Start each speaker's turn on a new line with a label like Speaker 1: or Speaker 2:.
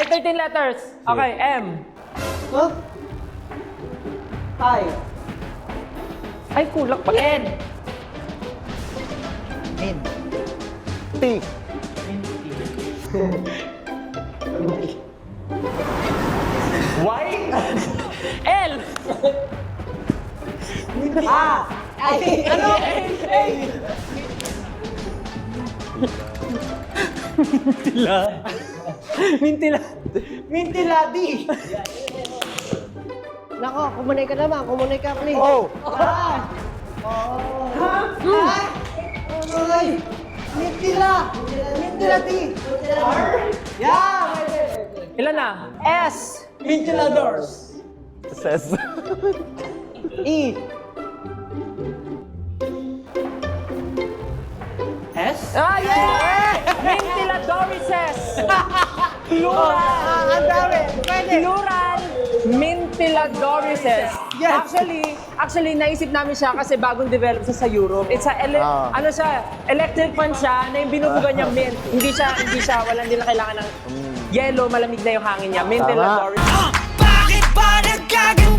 Speaker 1: 13 letters. Okay, M.
Speaker 2: Huh? I.
Speaker 1: Ay, kulak pa. N.
Speaker 3: N.
Speaker 4: T.
Speaker 1: Y. L.
Speaker 2: Ano?
Speaker 1: Mintila.
Speaker 2: Mintiladi. Nako, kumunay ka naman. Kumunay ka, please.
Speaker 4: O.
Speaker 2: Ay! Mintila! Mintiladi! Yeah!
Speaker 1: Ilan na? S.
Speaker 2: Mintiladors!
Speaker 4: Says.
Speaker 2: E. S?
Speaker 1: Ah, yeah! Mintiladorises. Plural.
Speaker 2: Ang dami! Pwede!
Speaker 1: Plural. Mintiladorises.
Speaker 2: Yes.
Speaker 1: Actually, naisip namin siya kasi bagong develop siya sa Europe. It's a, ano siya, electric fan siya na yung binubugan niya mint. Hindi siya, hindi na kailangan ng yellow, malamig na yung hangin niya. Mintiladorises.
Speaker 5: Bakit ba nagkaganda?